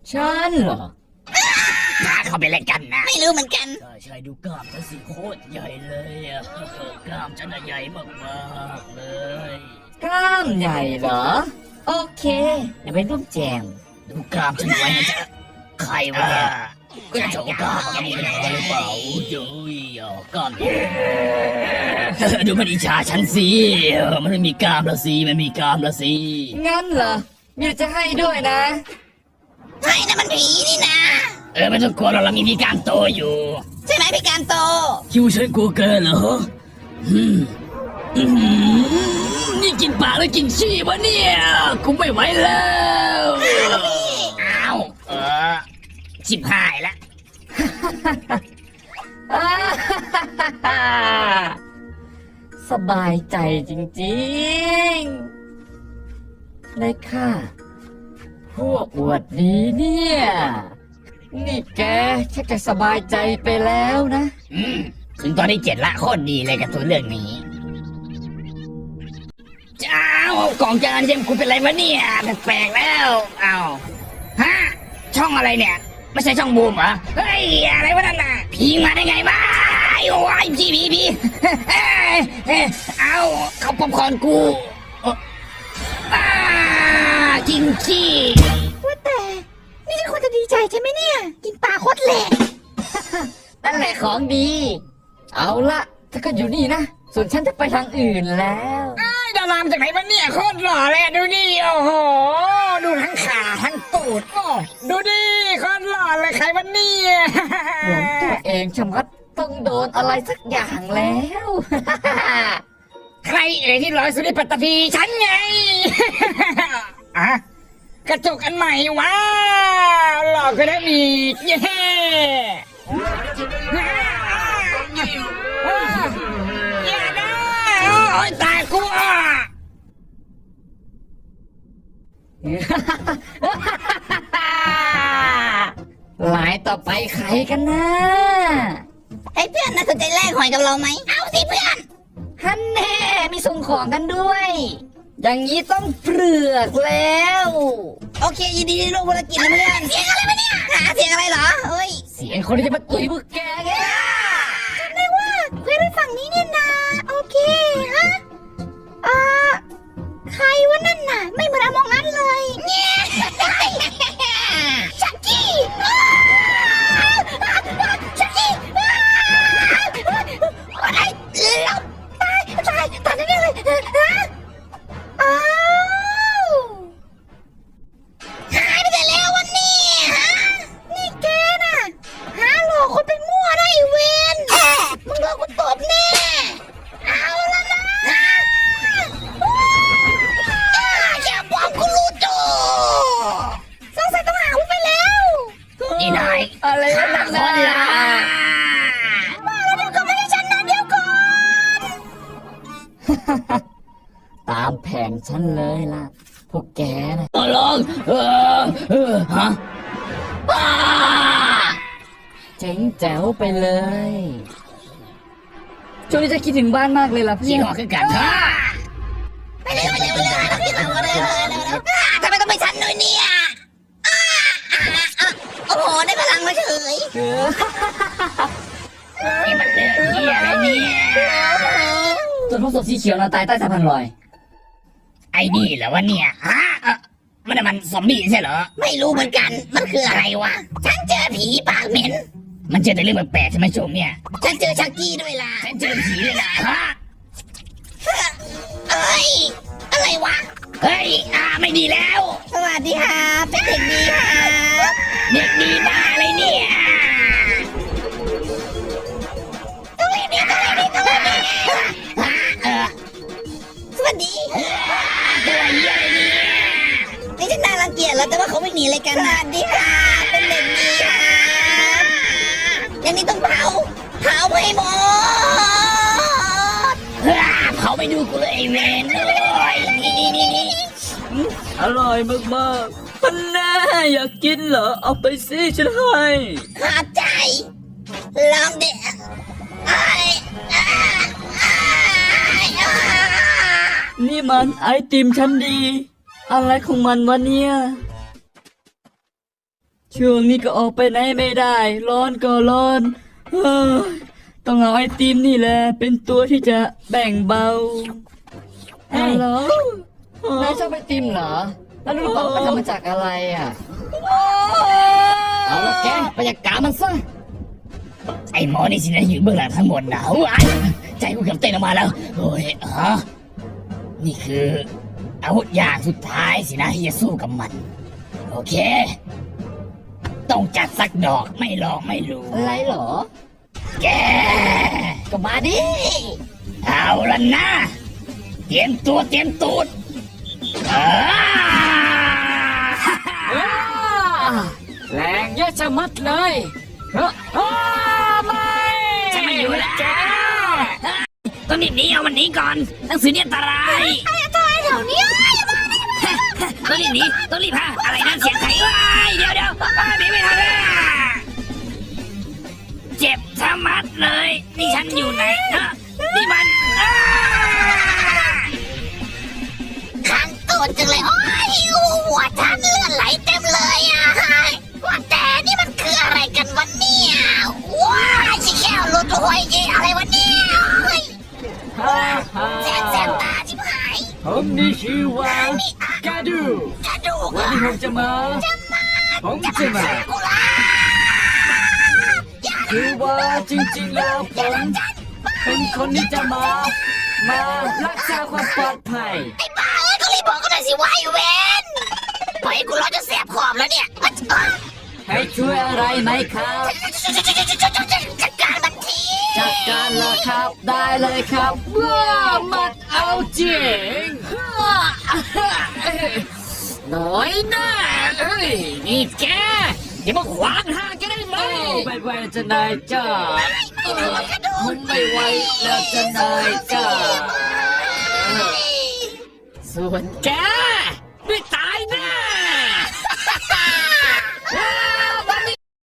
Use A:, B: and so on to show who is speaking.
A: ฉันเหรอ
B: ถ้าเขาไปเล่นกันนะ
C: ไม่รู้เหมือนกัน
B: ใช่ดูกล้ามฉันสิโคตรใหญ่เลยอะกล้ามฉันใหญ่มากๆเลย
A: กล้ามใหญ่เหรอโอเคเดี๋ยวไปร่วมแจม
B: ดูกล้ามฉันไว้นะจ๊ะใครวะก็จะโชว์กล้ามจะมีปัญหาหรือเปล่าโอ้ยกล้ามดูมันอิจฉาฉันสิมันไม่มีกล้ามละสิมันมีกล้ามละสิ
A: งั้นเหรอมีจะให้ด้วยนะ
C: ใช่นะมันผีนี่นะ
B: ไม่ต้องกลัวเรามีพี่กล้ามโตอยู่
C: ใช่ไหมพี่กามโต
B: คิวฉันกลัวเกินเหรอนี่กินปลาแล้วกินขี้วะเนี่ยกูไม่ไหวแล้วอ้าวชิบหายละ
A: สบายใจจริงๆเลยค่ะพวกอวดดีเนี่ยนี่แกชักจะสบายใจไปแล้วนะ
B: ถึงตอนที่7ละโคตรดีเลยกับตัวเรื่องนี้จ้าวกล่องจานเจมกูเป็นไรวะเนี่ยแปลกแล้วอ้าวฮะช่องอะไรเนี่ยไม่ใช่ช่องบูมเหรอเฮ้ยอะไรวะนั่นน่ะผีมาได้ไงวะโอ้ยผีเอาเขาป๊อปคอร์นกูกินขี้
C: ว่าแต่นี่ฉันควรจะดีใจใช่ไหมเนี่ยกินปลาโคตรแหลก
A: นั่นแหละของดีเอาละถ้าก็อยู่นี่นะส่วนฉันจะไปทางอื่นแล้ว
B: ดารามจากไหนวะเนี่ยโคตรหล่อเลยดูนี่โอ้โหดูทั้งขาทั้งตูดโอ้ดูดิโคตรหล่อเลยใครวะเนี่ย
A: หลงตัวเองชะมัดต้องโดนอะไรสักอย่างแล้ว
B: ใครที่ร้อยสุดในปัตตภีฉันไงอะกระจกอันใหม่ว้าวหล่อก็ได้มีเย้อย่านะโอ้ยตายกู
A: หลายต่อไปใครกันนะ
C: ไอ้เพื่อนน่าสนใจแลกหอยกับเราไหมเอาสิเพื่อน
A: ฮันแน่มีส่งของกันด้วยอย่างนี้ต้องเปลือกแล้ว
C: โอเคยินดีที่ร่วมธุรกิจนะเพื่อนเสียงอะไรวะเนี่ยหาเสียงอะไรเหรอเฮ้ย
A: เสียงคนที่จะมาตุ๋ยพวกแกไง
C: จำได้ว่าเพื่อนไปฝั่งนี้เนี่ยนะโอเคฮะใครวะนั่นน่ะไม่เหมือนอมองอันเลยเนี่ยชักกี้ชักกี้อะไรเราตายแน่เลยอ้าวหายไปแต่แล้ววันนี้ฮะนี่แกน่ะหาหลอกคนไปมั่วได้เวนมึงโดนกูตบแน่เอาละนะอย่าบอกกูรู้จูสงสัยต้องหากูไปแล้ว
B: นี่นาย
A: อะไรนั่น
B: นะ
C: ว่าแล้วเดี๋ยวก็ไม่ใช่ฉันนะเดี๋ยวก่อน
A: ตามแผนฉันเลยล่ะพวกแกนะ
B: ลองฮะ
A: เจ๋งแจ๋วไปเลยช่วงนี้จะคิดถึงบ้านมากเลยล่ะพี่
B: จริงหรอคือกัน
C: ไปเร็วทำไมต้องไปฉันด้วยเนี่ยโอ้โหได้พลังมาเฉย
B: นี่มันเรื่องเหี้ยอะไรเนี่ย
A: จนพวกศพสีเขียวนะตายใต้สะพานลอย
B: ไอ้นี่เหรอวะเนี่ยฮะมันซอมบี้ใช่เหรอ
C: ไม่รู้เหมือนกันมันคืออะไรวะฉันเจอผีปากเหม็น
B: มันเจอแต่เรื่องแปลกๆใช่ไหมช่วงเนี้ย
C: ฉันเจอชักกี้ด้วยล่ะ
B: ฉันเจอผีด้วยล่ะฮะ
C: เอ้ยอะไรวะ
B: เฮ้ยไม่ดีแล้ว
C: สวัสดีครับเป็นเด็กดีครับ
B: เด็กดีบ้าอะไรเนี่ย
C: ต้องรีบสวัสดี
B: ตัวเหี้ยอะไรเนี่ย
C: นี่ฉันน่ารังเกียจแล้วแต่ว่าเขาไม่หนีเลยกันสวัสดีครับเป็นเด็กดีครับอย่างนี้ต้องเผาให้หมด
B: เผาไปดูกูเลยไอ้เวนเลยนี่
A: อร่อยมากๆมันแน่อยากกินเหรอเอาไปสิฉันให้
C: ขอบใจลองดิ
A: นี่มันไอติมชั้นดีอะไรของมันวะเนี่ยช่วงนี้ก็ออกไปไหนไม่ได้ ร้อนก็ร้อนเฮ้ยต้องเอาไอติมนี่แหละ เป็นตัวที่จะแบ่งเบาฮัลโหลนายชอบไอติมเหรอ แล้วรู้เปล่ามันทำมาจากอะไรอ่ะ เอาละแกไปจัดการมันซะ
B: ไอ้หมอนี่สินะอยู่เบื้องหลังทั้งหมดนะว้ายใจกูเกือบเต้นออกมาแล้วโอ้ยนี่คืออาวุธอย่างสุดท้ายสินะที่จะสู้กับมัน โอเค ต้องจัดสักดอกไม่ลองไม่รู้
A: อะไรเหรอ
B: แก
A: ก็มาดิ
B: เอาละนะ เตรียมตัวเตรียมตูดอ่า
A: แรงเยอะชะมัดเลยเฮ้ยไม่
B: ฉันไม่อยู่แล้วต้องรีบหนีเอามันหนีก่อนหนังสือเนี่ยอันตราย
C: ตายแถวเนี้ย
B: ต้องรีบหนีต้องรีบพาอะไรนั่นเสียงใครว้ายเดี๋ยวหนีไม่ทันแล้วเจ็บชะมัดเลยนี่ฉันอยู่ไหนนี่มัน
C: ขังตูดจังเลยโอ้ยหัวฉันเลือดไหลเต็มเลยอ่ะว่าแต่นี่มันคืออะไรกันวะเนี่ยว้ายชิแก้วหลุดหัวเย่อะไรวะเนี่ยแสบตาชิบหาย
A: ผมนี่ชื่อว่ากาดู
C: กระดูก
A: วันนี้ผมจะมาผมจะมา
C: กูละ
A: คือว่าจริงๆแล้วผมเป็นคนที่จะมารักษาความปลอดภัย
C: ไอ้บ้าก็รีบบอกกันหน่อยสิวะไอ้เวนปล่อยให้กูร้อนจนแสบขอบแล้วเนี่ย
A: ให้ช่วยอะไรไหมครับ
C: จัดการมันที
A: จัดการละครับได้เลยครับว้ามันเอาจริงน้อยหน้าเอ้ยนี่แกอย่ามาขวางทางแกได้ไหมไม่ไหวจะนายจ้าผมไม่ไหวแล้วจะนายจ้าส่วนแก